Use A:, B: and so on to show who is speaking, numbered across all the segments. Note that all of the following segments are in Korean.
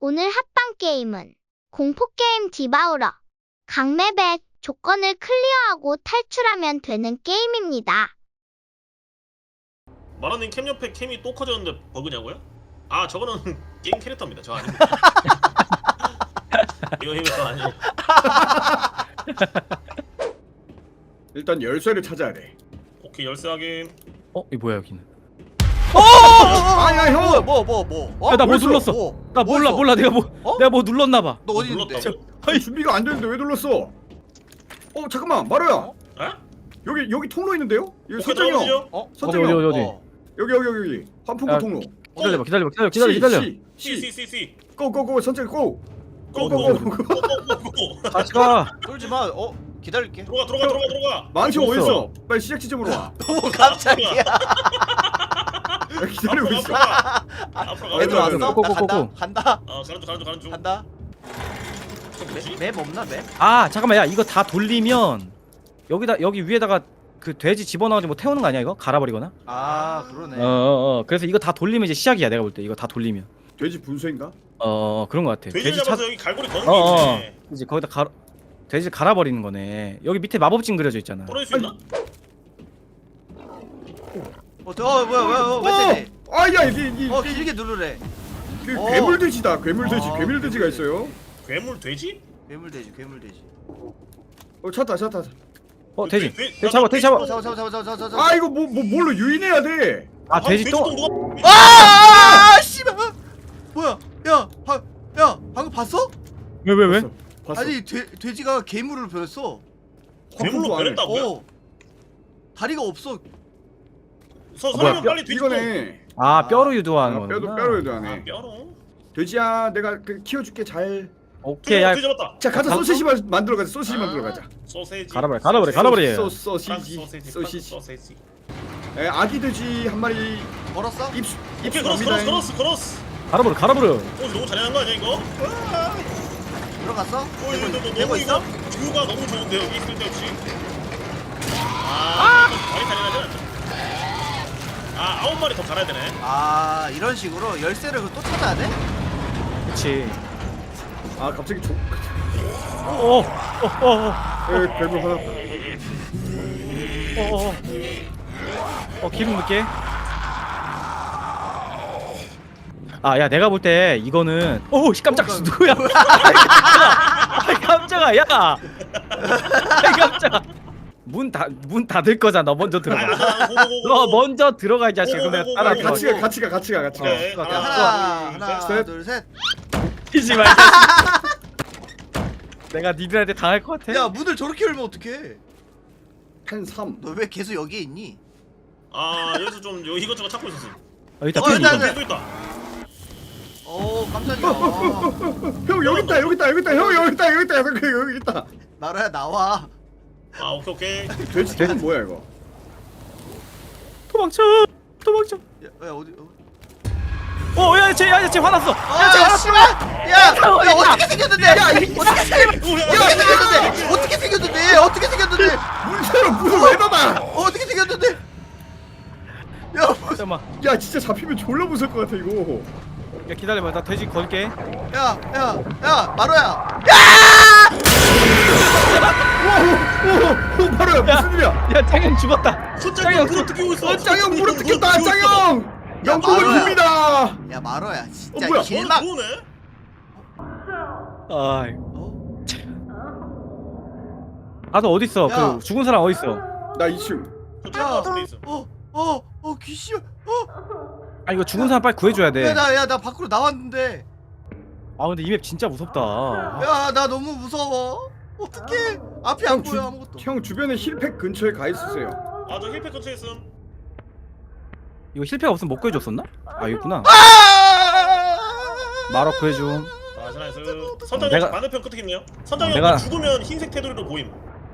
A: 오늘 합방 게임은 공포게임 디바우러. 강맵의 조건을 클리어하고 탈출하면 되는 게임입니다.
B: 마라님 캠 옆에 캠이 또 커졌는데 버그냐고요? 아 저거는 게임 캐릭터입니다. 저 아닙니다. 이거 저 아니에요.
C: 일단 열쇠를 찾아야 돼.
B: 오케이 열쇠 확인.
D: 이 뭐야 여기는?
C: 아야 형.
D: 야, 나 뭐
C: 있어?
D: 눌렀어? 나 몰라 내가 뭐 눌렀나 봐.
E: 너 어디 있는데?
B: 눌렀다고?
C: 아니 준비가 안 되는데 왜 눌렀어? 잠깐만 마루야.
B: 에?
C: 여기 통로 있는데요? 여기
B: 오케이
C: 선장이 형.
B: 들어가시죠.
C: 선장이 형.
D: 어디?
C: 여기 환풍구
D: 야,
C: 통로.
D: 기다려.
C: C. 고고고 선장이 고.
B: 고고고.
C: 고고고.
D: 같이 가.
E: 쫄지 마. 기다릴게.
B: 들어가.
C: 망치
D: 어디
C: 어디
D: 있어?
C: 있어? 빨리 시작 지점으로 와.
E: 너무 깜짝이야.
C: 야, 기다리고
B: 앞으로
C: 있어.
B: 가. 앞으로 가.
E: 애들 왔어? 나
D: 고고고고.
E: 간다.
B: 가는 중.
E: 간다.
B: 뭐지?
E: 맵 없나 맵?
D: 아 잠깐만 야 이거 다 돌리면 여기 위에다가 그 돼지 집어넣어가지고 뭐 태우는 거 아니야 이거? 갈아버리거나?
E: 아 그러네.
D: 그래서 이거 다 돌리면 이제 시작이야 내가 볼 때 이거 다 돌리면.
C: 돼지 분수인가?
D: 그런 거 같아.
B: 돼지 잡아서 여기 갈고리 거는 게
D: 어.
B: 있네.
D: 이제 거기다 돼지 갈아버리는 거네. 여기 밑에 마법진 그려져 있잖아.
B: 떨어질 수 있나?
E: 뭐야 왜 때리?
C: 아야 이게
E: 길게 누르래.
C: 그
E: 어.
C: 괴물돼지다. 괴물돼지.
E: 아,
C: 괴물돼지가 있어요.
B: 괴물 돼지?
E: 괴물돼지.
C: 찾다.
D: 돼지.
B: 돼-
D: 돼지 잡아.
E: 잡아.
C: 아 이거 뭘로 유인해야 돼?
D: 아 돼지 또.
B: 누가?
E: 아 씨발. 뭐야? 야 방금 봤어?
D: 왜?
C: 봤어.
E: 아니 돼지가 괴물로 변했어.
B: 괴물로 변했다고요?
E: 다리가 없어.
B: 설명
D: 뼈-
B: 빨리 돼지.
C: 이거네.
D: 아 뼈로 유도하는 거구나.
C: 뼈로
B: 아
C: 하네.
B: 뼈로.
C: 돼지야 내가 키워줄게 잘.
D: 오케이 야
B: 돼지 잡았다.
C: 자 가자
D: 가-
C: 소시지 만들어 가자. 소시지 만들어 가자.
B: 소세지.
D: 갈아버려.
C: 소시지.
B: 소세지.
C: 아기 돼지 한 마리
E: 걸었어?
C: 입수
B: 오케이
C: 갑니다.
B: 크로스.
D: 갈아버려.
B: 너무 잘하는 거 아니야 이거?
E: 들어갔어?
B: 이거
E: 되고 있어?
B: 뷰가 너무 좋은데 여기 있을 때 없이. 많이 잘해야지. 9마리 더 갈아야 되네.
E: 아 이런 식으로 열쇠를 또 찾아야 돼?
D: 그렇지.
C: 아 갑자기 괴물 하나.
D: 기름 넣게. 야 내가 볼 때 이거는 깜짝 누구야? 아이 깜짝아 야. 아이 깜짝아. 문 닫을 거잖아. 너 먼저 들어가. 너 먼저 들어가 이 자식아. 내가 따라
C: 아
D: 들어가.
C: 같이 가.
B: 네,
E: 하나
C: 셋.
E: 둘 셋.
D: 뛰지 마. 이 자식. 내가 니들한테 당할 것 같아.
E: 야 문을 저렇게 열면 어떡해?
C: 한 3.
E: 너 왜 계속 여기에 있니?
B: 여기서 좀 이것저것 찾고 있었어.
D: 여기다
E: 어,
D: 펜
E: 일단-
D: 이거.
B: 또 있다.
E: 깜짝이야.
C: 형 여기 있다. 형 여기 있다.
E: 나라야 나와.
B: 오케이.
C: 돼지 뭐야 이거?
D: 도망쳐.
E: 야 어디?
D: 쟤 화났어.
E: 야 씨발! 야 어떻게 생겼는데? 어떻게 생겼는데?
C: 문새로 문을 왜 닫아?
E: 어떻게 생겼는데? 야
D: 잠깐만.
C: 야 진짜 잡히면 졸라 무서울 것 같아 이거.
D: 야 기다려봐. 나 돼지 걸게.
E: 마로야.
C: 오 바로야 무슨 일이야?
D: 야 짱형 죽었다.
B: 손장이 물어 뜯기고 있어.
C: 짱형 물어 뜯겼다 짱형. 영국을
E: 마루야.
C: 빕니다.
E: 야 마로야 진짜
C: 뭐야?
E: 길막.
B: 좋네.
D: 아이. 가서 어디 있어?
E: 야.
D: 그 죽은 사람 어디 있어?
C: 나 2층.
B: 저쪽에 있어.
E: 귀신.
D: 이거 죽은 사람 빨리 구해줘야 돼.
E: 나 밖으로 나왔는데.
D: 근데 이 맵 진짜 무섭다.
E: 야 나 너무 무서워. 어떡해? 앞이 안 보여 아무것도.
C: 형 주변에 힐팩 근처에 가 있으세요.
B: 저 힐팩 근처에 있음.
D: 이거 힐패가 없으면 못 구해줬었나? 여기구나. 마로 구해줌.
B: 나이스. 선장님
D: 내가-
B: 반대편 끝에 있네요. 선장님
D: 내가-
B: 죽으면 흰색 테두리로 보임.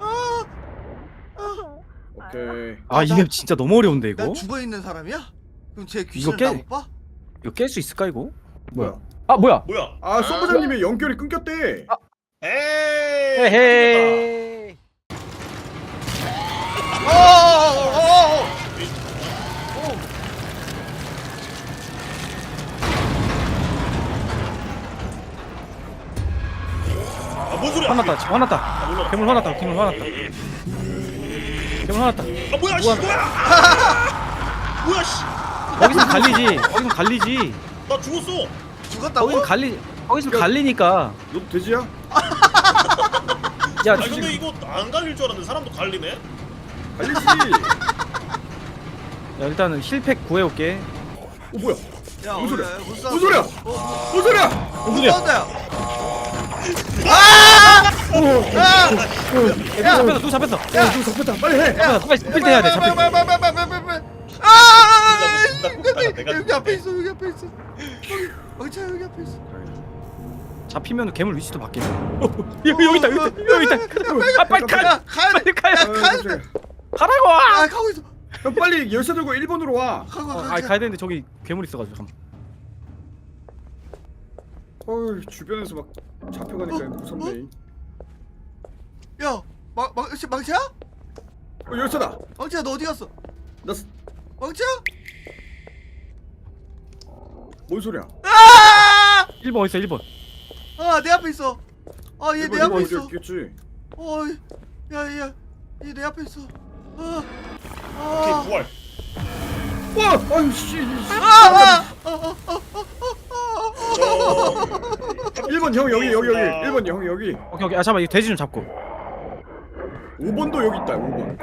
C: 오케이.
D: 이 맵 진짜 너무 어려운데 이거.
E: 난 죽어 있는 사람이야? 그럼 쟤 귀신을
D: 깨-
E: 나 못 봐?
D: 이거 깰 수 있을까 이거?
C: 뭐야?
D: 뭐야?
B: 뭐야?
C: 아 소부장님의 연결이 끊겼대.
B: 에이.
D: 헤헤.
B: 소리야?
D: 화났다 지금 화났다.
B: 아, 몰라.
D: 괴물 화났다. 괴물 화났다. 괴물 화났다.
B: 아 뭐야 씨
D: 뭐야?
B: 뭐야? 뭐야 씨?
D: 거기서 갈리지. 거기서 갈리지.
B: 나 죽었어.
E: 죽었다고?
D: 거기서 갈리. 거기서 갈리니까.
C: 너 돼지야?
D: 야
B: 아니 근데 이거 안 갈릴 줄 알았는데 사람도 갈리네?
C: 갈리지.
D: 야 일단은 힐팩 구해올게.
C: 뭐야?
E: 야
C: 무슨 소리야?
E: 무슨
C: 무슨 소리야? 무슨 소리야?
E: 무슨 사운드야?
D: 야 잡혔어. 누구 잡혔어.
C: 야, 누구 잡혔다. 빨리 해.
D: 잡혔어. 빨리 스피드 해야 돼. 잡혔어.
B: 내가
E: 여기 앞에 있어. 여기 앞에 있어. 자 여기 앞에 있어.
D: 잡히면 괴물 위치도 바뀌네. 여기 있다. 여기 있다. 아 빨리 가.
E: 야 가야 돼.
D: 빨리 가요.
E: 야 가야 돼.
D: 가라고.
E: 아 가고 있어.
C: 형 빨리 열쇠 들고 1번으로 와.
E: 가고
D: 아
E: 가.
D: 가야 되는데 저기 괴물 있어가지고 잠깐.
C: 어이 주변에서 막 잡혀가니까 무섭네.
E: 야 망치야?
C: 열쇠다.
E: 망치야 너 어디 갔어?
C: 나
E: 망치야?
C: 뭔 소리야?
E: 아!
D: 1번 어딨어 1번.
E: 아내 앞에 있어. 아 얘 내 앞에 있어.
C: 있겠지.
E: 야얘 내 앞에 있어.
B: 오케이 부활.
C: 와, 아유 씨.
B: 저
C: 1번 형 여기 1번 형 여기.
D: 오케이. 아 잠깐만 이 돼지 좀 잡고.
C: 5번도 여기 있다. 5번.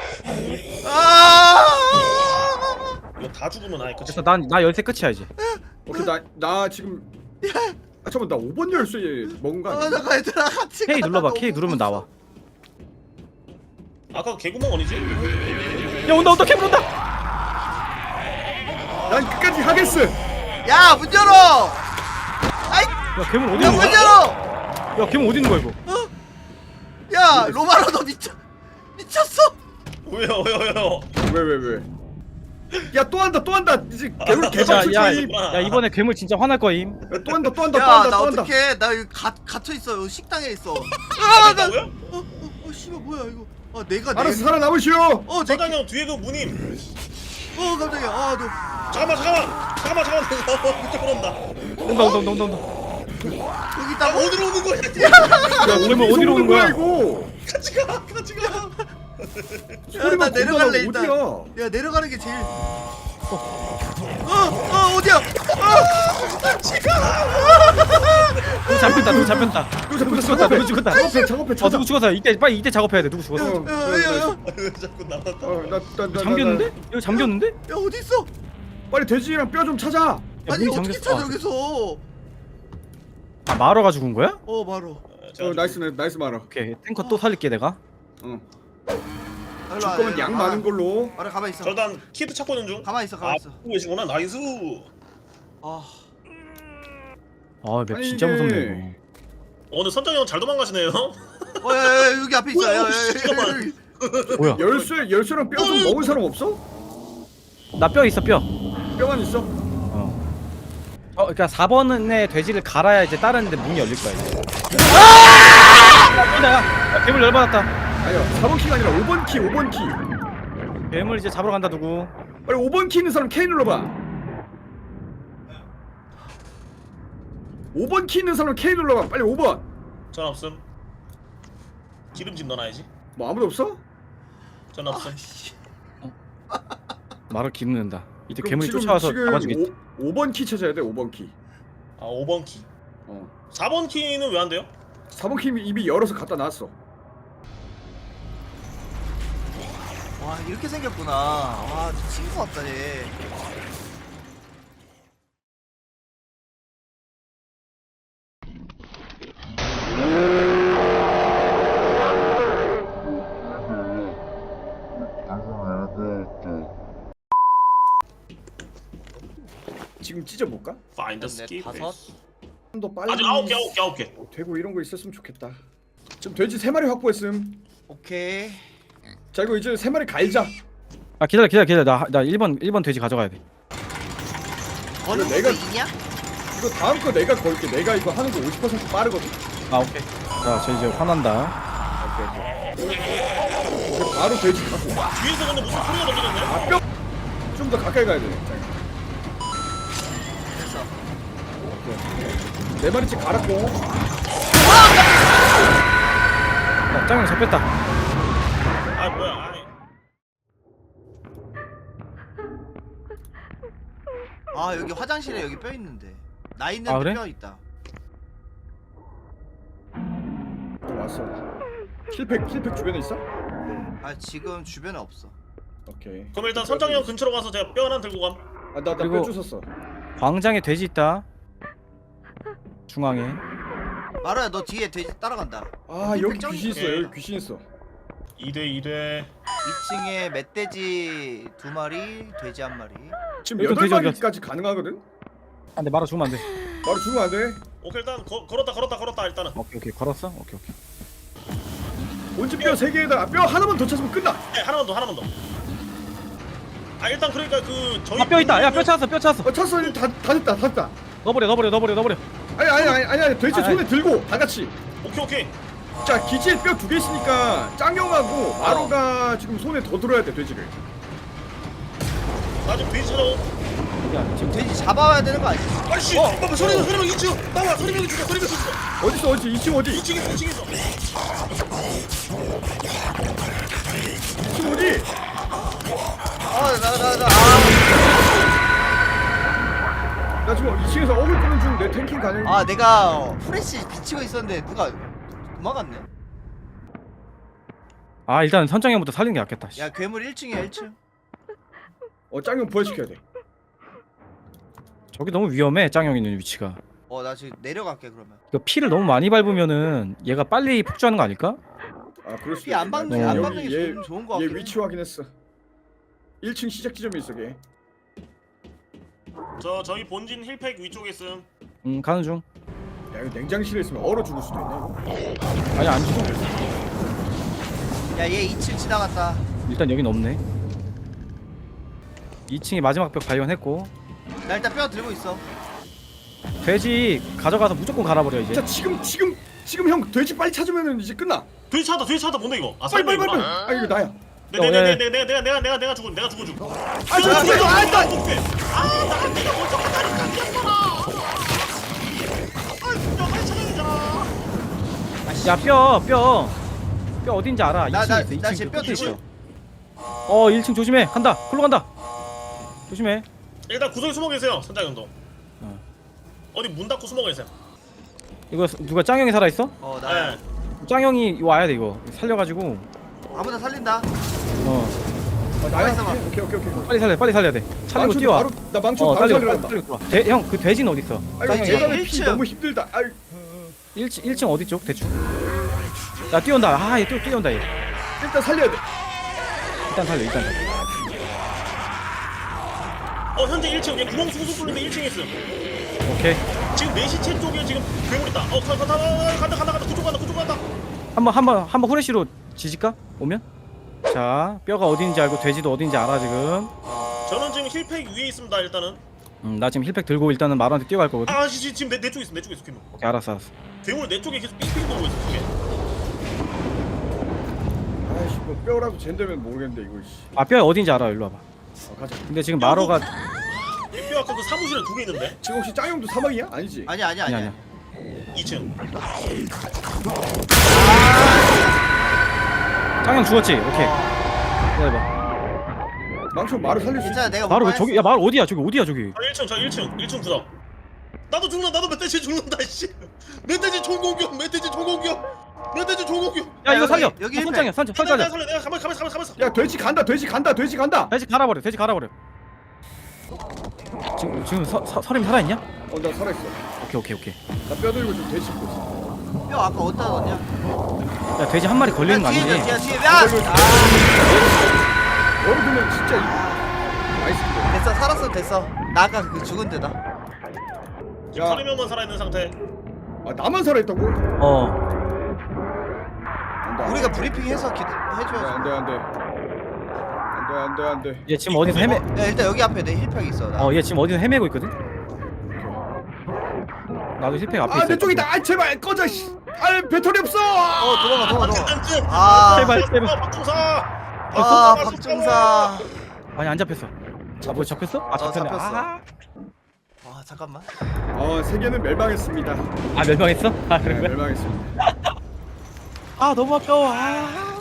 B: 이거 다 죽으면 아예 끝이.
D: 그래서 나 열쇠 끝이야 이제.
C: 오케이 나 지금. 아 잠깐만 나 5번 열쇠 먹은 거 아니야?
E: 잠깐 얘들아 같이
D: K
E: 가자.
D: 눌러봐.
E: 너무
D: K 누르면
E: 무서워.
D: 나와.
B: 아까 개구멍 어디지?
D: 야 온다 온다 괴물 온다.
C: 난 끝까지 하겠어.
E: 야 문 열어. 아이
D: 야 괴물 어디
E: 야
D: 있는
E: 문
D: 거야?
E: 열어.
D: 야 괴물 어디 있는 거야 이거?
E: 야 로마로 너 미쳤어?
B: 왜요?
C: 왜? 야 또 한다. 이제 개울 개발
D: 야,
C: 출처임.
D: 야 이번에 괴물 진짜 화날 거임.
C: 또 한다.
E: 야 나 어떡해 나 여기 갇혀 있어. 식당에 있어. 나
B: 뭐야?
E: 씨발 뭐야 이거. 내가
C: 알아서 살아남으시오.
B: 사장님 뒤에 그 무님.
E: 깜짝이야. 너
B: 잠깐만. 그쪽으로 온다.
D: 온다.
E: 여기 있다고?
B: 어디로 오는 거야?
D: 야 괴물 어디로 오는 거야?
C: 이거?
B: 같이 가.
E: 야, 나 내려갈래 일단.
C: 어디야?
E: 야 내려가는 게 제일. 어디야?
D: 누구 잡혔다. 누구 죽었다.
C: 작업해 찾아.
D: 누구 죽었어? 이때 작업해야 돼. 누구 죽었어?
E: 야야야.
B: 자꾸 나왔다.
C: 나
D: 잠겼는데? 여기 잠겼는데?
E: 야 어디 있어?
C: 빨리 돼지랑 뼈 좀 찾아.
D: 야,
E: 아니
D: 문이
E: 어떻게
D: 잠겼어.
E: 찾아 여기서?
D: 아 마러가 죽은 거야?
E: 바로.
C: 나이스 말아.
D: 오케이 탱커 또 살릴게 내가.
C: 줄 거면 양 많은 걸로.
E: 알아 가만 있어.
B: 저단 키트 찾고 있는 중.
E: 가만 있어.
B: 보고 계시구나. 나이스.
D: 아맵
C: 아니,
D: 진짜
C: 이게-
D: 무섭네 이거.
B: 오늘 선장이 형 잘 도망가시네요.
E: 야, 여기 앞에 있어.
B: 뭐야,
E: 야,
B: 잠깐만.
D: 뭐야?
C: 열쇠랑 뼈 좀 먹은 사람 없어?
D: 나 뼈 있어 뼈.
C: 뼈만 있어?
D: 그러니까 4번에 돼지를 갈아야 이제 다른 데 문이 열릴 거야 이제. 야 괴물 열받았다.
C: 아니야 4번 키가 아니라 5번 키.
D: 괴물 이제 잡으러 간다 누구?
C: 빨리 5번 키 있는 사람 K 눌러봐. 5번 키 있는 사람 K 눌러봐. 빨리 5번.
B: 전 없음. 기름집 넣어놔야지.
C: 뭐 아무도 없어?
B: 전 없음.
D: 말을 기르는다. 이제
C: 그럼
D: 괴물이
C: 지금-
D: 쫓아와서
C: 지금
D: 잡아주겠지.
C: 5번 키 찾아야 돼. 5번 키.
B: 5번 키. 4번 키는 왜 안 돼요?
C: 4번 키 이미 열어서 갖다 놨어.
E: 와 이렇게 생겼구나. 와 미친 것 같다 얘.
C: 지금 찢어볼까?
B: Find the skip.
C: 좀 더 빨리.
B: 아직 9개.
C: 되고 이런 거 있었으면 좋겠다. 지금 돼지 3마리 확보했음.
E: 오케이.
C: 자 이거 이제 3마리 갈자.
D: 아 기다려. 나 1번 돼지 가져가야 돼.
E: 거는
C: 내가-
E: 내가 있냐?
C: 이거 다음 거 내가 걸게. 내가 이거 하는 거 50% 빠르거든.
D: 아 오케이. 저 이제 화난다.
C: 이제 바로 돼지 갖고.
B: 뒤에서 근데 무슨 소리가 들리는데?
C: 아 뼈. 좀 더 가까이 가야 돼.
E: 됐어.
C: 4마리씩 갈았고.
D: 짱형 잡혔다.
B: 아 뭐야? 아이.
E: 아 여기 화장실에 여기 뼈 있는데. 나 있는데
D: 아, 그래?
E: 뼈 있다.
C: 또 왔어. 힐팩 주변에 있어?
E: 아 지금 주변에 없어.
C: 오케이.
B: 그럼 일단 선장이 형 근처로 가서 제가 뼈 하나 들고 감.
C: 아나
D: 그리고-
C: 뼈 주웠어.
D: 광장에 돼지 있다. 중앙에.
E: 마루야 너 뒤에 돼지 따라간다.
C: 아 여기
E: 짱-
C: 귀신 있어.
B: 오케이.
C: 여기 귀신 있어.
B: 2대
E: 2층에 멧돼지 2마리, 돼지 1마리.
C: 지금
D: 여기도 돼지
C: 8마리까지 가능하거든?
D: 안돼 말아 죽으면 안 돼.
C: 바로 죽으면 안 돼.
B: 오케이 일단 걸었다 일단은.
D: 오케이 걸었어. 오케이.
C: 본집 뼈 3개에다가 뼈 하나만 더 찾으면 끝나.
B: 네, 하나만 더. 아 일단 그러니까 그 저희
D: 아 뼈 있다. 야 뼈 찾았어.
C: 찼어. 다 됐다.
D: 넣어버려.
C: 아니 돼지
D: 아니.
C: 손에 들고 다 같이.
B: 오케이.
C: 자 기지에 뼈 2개 있으니까 짱형하고 마로가 지금 손에 더 들어야 돼 돼지를.
B: 나 지금 돼지 찾아오.
D: 야 지금
E: 돼지 잡아와야 되는 거 아니야?
B: 아씨. 봐봐 소리명 2층. 나와 소리명이 죽여.
C: 어디 2층 어디?
B: 2층 있어.
C: 2층 어디? 나 지금 2층에서 어글 끄는 중. 내 탱킹 가능.
E: 아 내가 프레시 비치고 있었는데 누가 도망갔네.
D: 아 일단 선장형부터 살리는 게 낫겠다. 씨.
E: 야 괴물 1층이야 1층.
C: 짱형 부활시켜야 돼.
D: 저기 너무 위험해. 짱형 있는 위치가.
E: 나 지금 내려갈게 그러면.
D: 이거 피를 너무 많이 밟으면은 얘가 빨리 폭주하는 거 아닐까?
C: 아 그럴 수도
E: 피 안
C: 있겠다.
E: 박는
D: 어.
E: 안
C: 여기
E: 박는 게 좋은 거
C: 얘
E: 같긴 해.
C: 위치 확인했어. 1층 시작 지점에 있어 걔.
B: 저희 본진 힐팩 위쪽에 있음.
D: 가는 중.
C: 야 이거 냉장실에 있으면 얼어 죽을 수도 있네 이거.
D: 아니 안 죽어.
E: 야얘 2층 지나갔다.
D: 일단 여긴 없네. 2층에 마지막 벽 발견했고
E: 나 일단 뼈 들고 있어.
D: 돼지 가져가서 무조건 갈아버려 이제.
C: 자 지금 형 돼지 빨리 찾으면은 이제 끝나.
B: 돼지 찾았다. 뭔데 이거? 아
C: 빨리.
B: 설명이구나.
C: 아 이거 나야.
B: 내가 죽어.
C: 아 저 죽어. 아 나.
B: 어떡해. 내가 먼저 갔다니까 미안하다. 뼈 빨리 찾아야 되잖아.
D: 야 뼈 어딘지 알아.
E: 나
D: 2층에 있어.
E: 나
D: 2층
E: 지금 뼈
D: 끝에
E: 들고
D: 있어. 1층 조심해. 간다. 글로 간다. 조심해.
B: 일단 구석에 숨어 계세요, 선장님도.
D: 어.
B: 어디 문 닫고 숨어 계세요.
D: 이거 누가 짱형이 살아 있어?
E: 나
B: 네.
D: 짱형이 와야 돼 이거. 살려가지고.
E: 아무나 살린다.
D: 어.
C: 나야.
E: 있어봐.
C: 오케이.
D: 빨리 살려야 돼. 살리고
C: 망쳐
D: 뛰어와.
C: 바로 나 망쳐 바로
D: 살려.
C: 살려간다.
D: 형 그 돼지는 어디 있어?
C: 아이고
E: 나 이제
C: 계단에 피
E: 1층.
C: 너무 힘들다. 아이
D: 1층 어디 쪽? 대충. 야 뛰어온다. 얘 뛰어온다 얘.
C: 일단 살려야 돼.
D: 일단 살려.
B: 현재 1층. 얘 구멍 숭숭 뚫는데 1층에 있음.
D: 오케이.
B: 지금 내 시체 쪽에 지금 괴물 있다. 간다. 그쪽 간다.
D: 한번 후레쉬로 지질까? 오면? 자 뼈가 어딘지 알고 돼지도 어딘지 알아 지금.
B: 저는 지금 힐팩 위에 있습니다. 일단은.
D: 나 지금 힐팩 들고 일단은 마루한테 뛰어갈 거거든.
B: 지금 내 쪽에 있어. 괴물.
D: 오케이 알았어.
B: 괴물 내 쪽에 계속 삥삥 돌고 있어. 저게.
C: 아이씨 뭐 뼈라도 잰다면 모르겠는데 이거 씨.
D: 아 뼈 어딘지 알아. 일로 와봐.
C: 가자.
B: 뭐
D: 근데 지금 마루가
B: 뼈 아까 그 사무실에 2개 있는데.
C: 지금 혹시 짱형도 사망이야? 아니지?
E: 아니야.
D: 아니야.
B: 2층.
D: 짱형 죽었지? 오케이. 기다려봐.
C: 망쳐 말을 살릴 수 있어.
E: 괜찮아 내가
D: 마루 왜
E: 못
D: 저기? 야 마루 어디야? 저기 어디야 저기?
B: 1층 구석. 나도 멧돼지 죽는다 씨. 멧돼지 총공격.
D: 야 이거
E: 여기,
D: 살려.
E: 여기
D: 야,
E: 힐팩.
D: 선장이야. 선장
B: 내가
D: 살려.
B: 살려. 내가 가만있어.
C: 야 돼지 간다.
D: 돼지 갈아버려. 지금 서림이 살아있냐?
C: 나 살아있어.
D: 오케이.
C: 나 뼈 들고 좀 돼지 씹고 있어.
E: 뼈 아까 어디다 넣었냐?
D: 야 돼지 한 마리 걸리는 거 아니지?
E: 뒤에.
C: 여러분은 진짜 나이스.
E: 됐어 됐어. 나 아까 그 죽은 데다.
B: 지금
C: 야.
B: 30명만 살아있는 상태.
C: 아 나만 살아있다고? 안돼.
E: 우리가 브리핑해서 해줘야지.
C: 안돼.
D: 얘 지금 어디서 헤매?
E: 야 일단 여기 앞에 내 힐팩 있어. 나.
D: 얘 지금 어디서 헤매고 있거든? 나도 힐팩 앞에 있어.
C: 아내 쪽이다. 아 제발 꺼져. 씨. 아 배터리 없어.
E: 도망가.
B: 안쯤.
D: 제발.
E: 박중사.
D: 아니 안 잡혔어. 뭐 잡혔어? 잡혔네.
E: 잡혔어. 잠깐만.
C: 세계는 멸망했습니다.
D: 멸망했어?
C: 네,
D: 그래?
C: 멸망했습니다.
D: 아 너무 아까워. 아.